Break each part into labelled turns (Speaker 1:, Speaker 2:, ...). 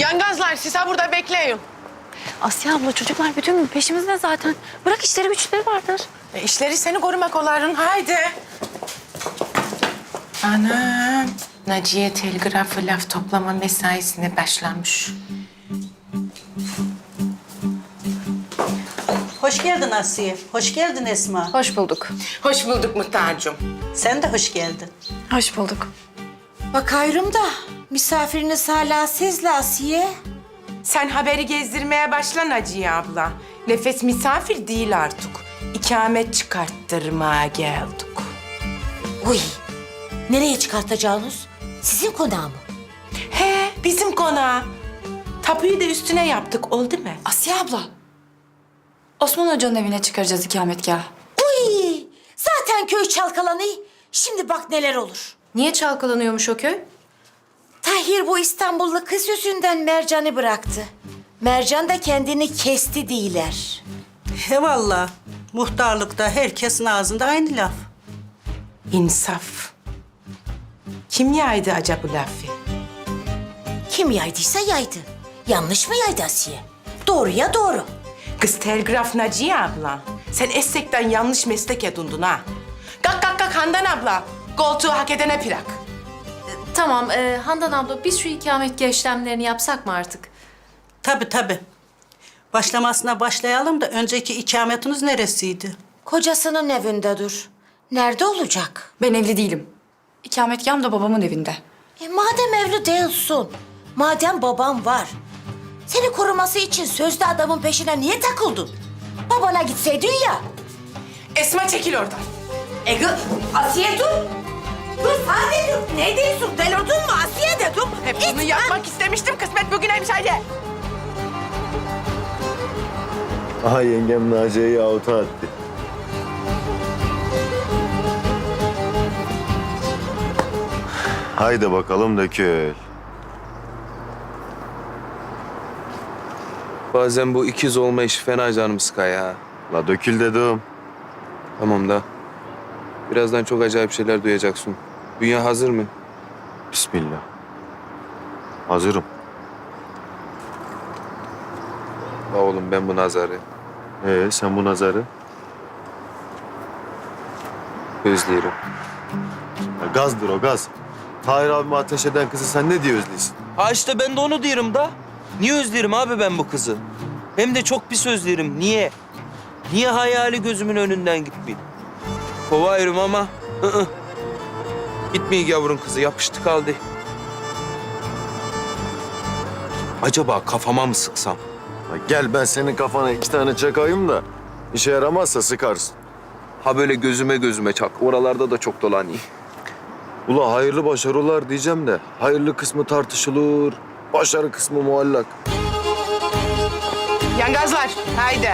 Speaker 1: Yangazlar siz ha burada bekleyin.
Speaker 2: Asya abla çocuklar bütün gün peşimizde zaten. Bırak işleri güçleri vardır.
Speaker 1: İşleri seni korumak oların. Haydi. Anam. Naciye telgrafı laf toplama mesaisine başlamış.
Speaker 3: Hoş geldin Asiye. Hoş geldin Esma.
Speaker 2: Hoş bulduk.
Speaker 1: Hoş bulduk Muhtar'cığım.
Speaker 3: Sen de hoş geldin.
Speaker 2: Hoş bulduk.
Speaker 4: Bakıyorum da misafiriniz hala sizle Asiye.
Speaker 1: Sen haberi gezdirmeye başla Naciye abla. Nefes misafir değil artık. İkamet çıkarttırmaya geldik.
Speaker 4: Uy, nereye çıkartacağınız? Sizin konağı mı?
Speaker 1: He, bizim konağı. Tapuyu da üstüne yaptık, oldu mu?
Speaker 2: Asya abla. Osman Hoca'nın evine çıkaracağız ikametgahı.
Speaker 4: Uy, zaten köy çalkalanıyor. Şimdi bak neler olur.
Speaker 2: Niye çalkalanıyormuş o köy?
Speaker 4: Tahir bu İstanbullu kız yüzünden Mercan'ı bıraktı. Mercan da kendini kesti değiller.
Speaker 3: He valla. Muhtarlıkta herkesin ağzında aynı laf.
Speaker 1: İnsaf. Kim yaydı acaba bu lafı?
Speaker 4: Kim yaydıysa yaydı. Yanlış mı yaydı Asiye? Doğruya doğru.
Speaker 1: Kız telgraf Naciye abla. Sen essekten yanlış meslek edindin ha. Kalk kalk kalk Handan abla. Koltuğu hak edene plak.
Speaker 5: Tamam Handan abla biz şu ikametgah işlemlerini yapsak mı artık?
Speaker 3: Tabii. Başlamasına başlayalım da önceki ikametiniz neresiydi?
Speaker 4: Kocasının evinde dur. Nerede olacak?
Speaker 2: Ben evli değilim. İkametgahım da babamın evinde.
Speaker 4: Madem evli değilsin, madem babam var, seni koruması için sözde adamın peşine niye takıldın? Babana gitseydin ya.
Speaker 1: Esma çekil oradan.
Speaker 4: Asiye dur. Dur Sade dur. Ne diyorsun? Delirdin mi Asiye dedim.
Speaker 1: Hep bunu yapmak istemiştim. Kısmet bugüneymiş haydi.
Speaker 6: Aha yengem Naciye'yi avuta attı. Haydi bakalım dökül.
Speaker 7: Bazen bu ikiz olma işi fena canımı sıkar ya.
Speaker 6: La dökül dedim.
Speaker 7: Tamam da. Birazdan çok acayip şeyler duyacaksın. Dünya hazır mı?
Speaker 6: Bismillah. Hazırım.
Speaker 7: La oğlum ben bu nazarı
Speaker 6: Sen bu nazarı?
Speaker 7: özlüyorum.
Speaker 6: Ya gazdır o gaz. Tahir abime ateş eden kızı sen ne diye özlüyorsun?
Speaker 8: Ha işte ben de onu diyorum da. Niye özlerim abi ben bu kızı? Hem de çok pis özlerim. Niye? Niye hayali gözümün önünden gitmiyor?
Speaker 7: Kovayırım ama gitmeyi gavurun kızı yapıştı kaldı. Acaba kafama mı sıksam?
Speaker 6: Ya gel ben senin kafana 2 tane çakayım da işe yaramazsa sıkarsın.
Speaker 7: Ha böyle gözüme çak. Oralarda da çok dolanıyor.
Speaker 6: Ula hayırlı başarılar diyeceğim de hayırlı kısmı tartışılır, başarı kısmı muallak.
Speaker 1: Yangazlar haydi.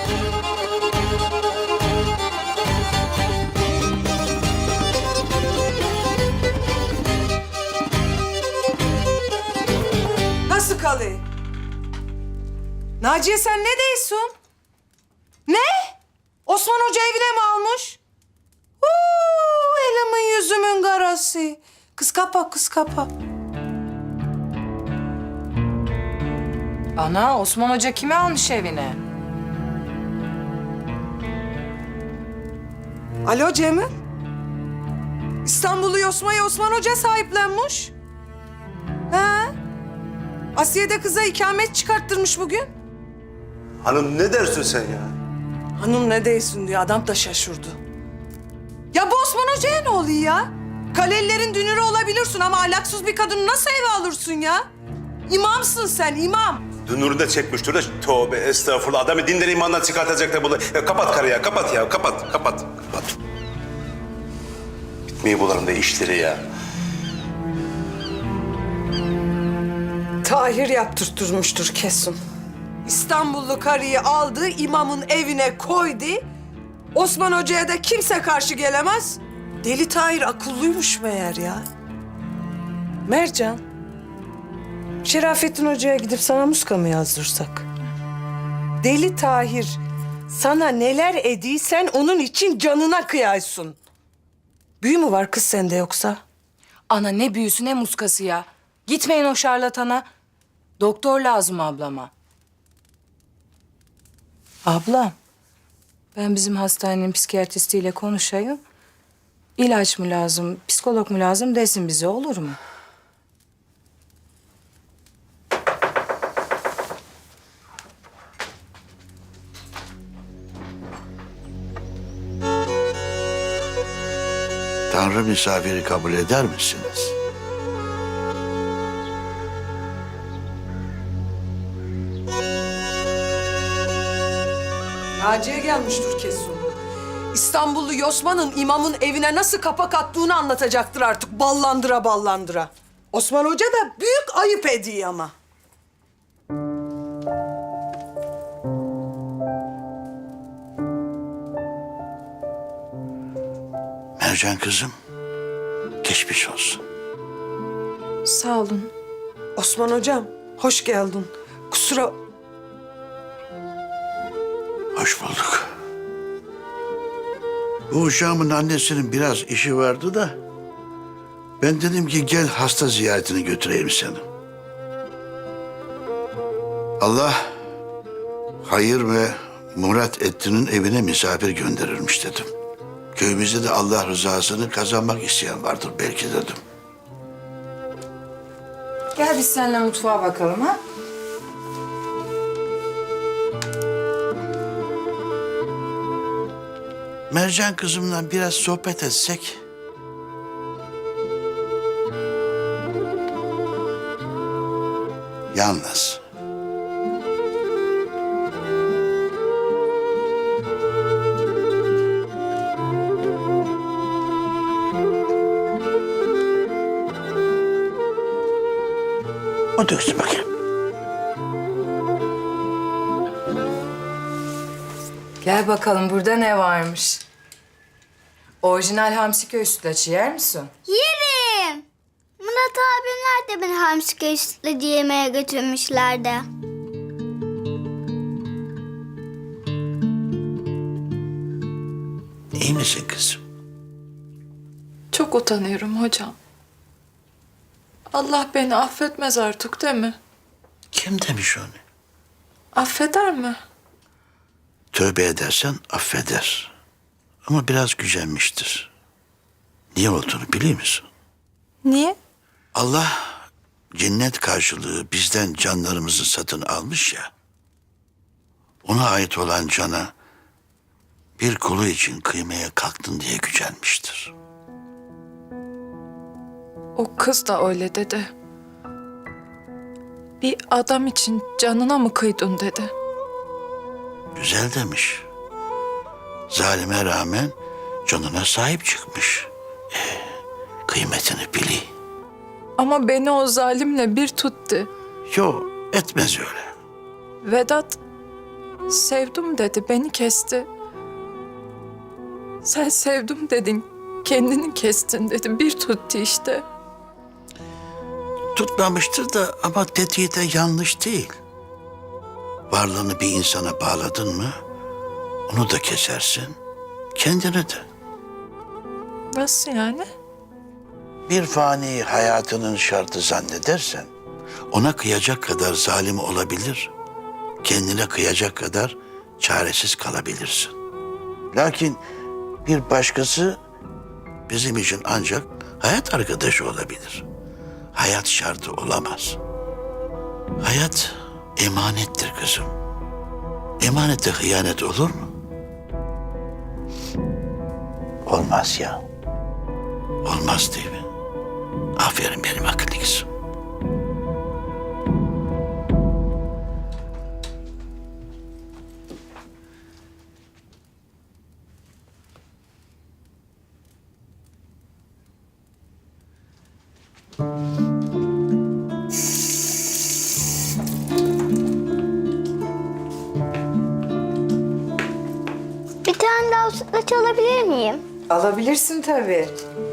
Speaker 9: Nasıl kalıyor? Naciye sen ne diyorsun? Ne? Osman Hoca evine mi almış? Elimin yüzümün karası. Kız kapa. Ana Osman Hoca kimi almış evine? Alo Cemil. İstanbul'u Yosma'ya Osman Hoca sahiplenmiş. He? Asiye de kıza ikamet çıkarttırmış bugün.
Speaker 10: Hanım ne dersin sen ya?
Speaker 9: Hanım ne değilsin diyor. Adam da şaşırdı. Ya bu Osman Hoca'ya ne oluyor ya? Kalelilerin dünürü olabilirsin ama ahlaksız bir kadını nasıl eve alırsın ya? İmamsın sen, imam.
Speaker 10: Dünürü de çekmiştir de tövbe estağfurullah. Adamı dinden imandan çıkartacak da bunu. Ya kapat karı ya, kapat. Bitmeyi bularım da işleri ya.
Speaker 9: Tahir yaptırtırmıştır kesin. İstanbullu karıyı aldı, imamın evine koydu. Osman Hoca'ya da kimse karşı gelemez. Deli Tahir akıllıymış meğer ya. Mercan, Şerafettin Hoca'ya gidip sana muska mı yazdırsak? Deli Tahir sana neler ediysen onun için canına kıyaysın. Büyü mü var kız sende yoksa?
Speaker 2: Ana ne büyüsü ne muskası ya. Gitmeyin o şarlatana.
Speaker 1: Doktor lazım ablama. Ablam, ben bizim hastanenin psikiyatristiyle konuşayım. İlaç mı lazım, psikolog mu lazım desin bize, olur mu?
Speaker 11: Tanrı misafiri kabul eder misiniz?
Speaker 9: Naciye gelmiştir kesin. İstanbullu Yosman'ın imamın evine nasıl kapak attığını anlatacaktır artık ballandıra ballandıra. Osman Hoca da büyük ayıp ediyor ama.
Speaker 11: Mercan kızım, geçmiş olsun.
Speaker 2: Sağ olun.
Speaker 9: Osman Hocam, hoş geldin. Kusura...
Speaker 11: Hoş bulduk. Bu uşağımın annesinin biraz işi vardı da... ...ben dedim ki gel hasta ziyaretini götüreyim seni. Allah hayır ve murat ettiğinin evine misafir gönderirmiş dedim. Köyümüzde de Allah rızasını kazanmak isteyen vardır belki dedim.
Speaker 1: Gel biz seninle mutfağa bakalım ha.
Speaker 11: Mercan kızımla biraz sohbet etsek. Yalnız. O döksün bakayım.
Speaker 1: Gel bakalım burada ne varmış. Orijinal Hamsiköy sütlaçı yer misin?
Speaker 12: Yerim. Murat abimler de beni hamsi sütlacı yemeye götürmüşlerdi.
Speaker 11: İyi misin kızım?
Speaker 5: Çok utanıyorum hocam. Allah beni affetmez artık değil mi?
Speaker 11: Kim demiş onu?
Speaker 5: Affeder mi?
Speaker 11: Tövbe edersen affeder. Ama biraz gücenmiştir. Niye olduğunu biliyor musun?
Speaker 5: Niye?
Speaker 11: Allah cennet karşılığı bizden canlarımızı satın almış ya. Ona ait olan cana bir kulu için kıymaya kalktın diye gücenmiştir.
Speaker 5: O kız da öyle dedi. Bir adam için canına mı kıydın dedi.
Speaker 11: Güzel demiş. Zalime rağmen canına sahip çıkmış. Kıymetini bili.
Speaker 5: Ama beni o zalimle bir tuttu.
Speaker 11: Yo, etmez öyle.
Speaker 5: Vedat sevdim dedi, beni kesti. Sen sevdim dedin, kendini kestin dedi, bir tuttu işte.
Speaker 11: Tutmamıştır da ama dediği de yanlış değil. Varlığını bir insana bağladın mı onu da kesersin, kendini de.
Speaker 5: Nasıl yani?
Speaker 11: Bir fani hayatının şartı zannedersen ona kıyacak kadar zalim olabilir, kendine kıyacak kadar çaresiz kalabilirsin. Lakin bir başkası bizim için ancak hayat arkadaşı olabilir. Hayat şartı olamaz. Hayat emanettir kızım. Emanete hıyanet olur mu? Olmaz ya. Olmaz değil mi? Aferin benim akıllı kızım.
Speaker 12: Bir tane daha sütlaç alabilir miyim?
Speaker 1: Alabilirsin tabii.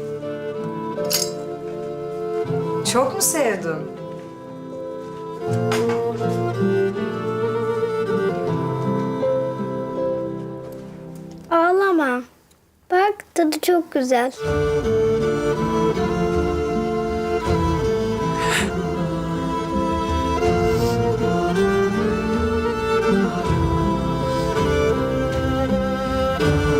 Speaker 1: Çok mu sevdin?
Speaker 12: Ağlama. Bak tadı çok güzel.
Speaker 6: Hadi.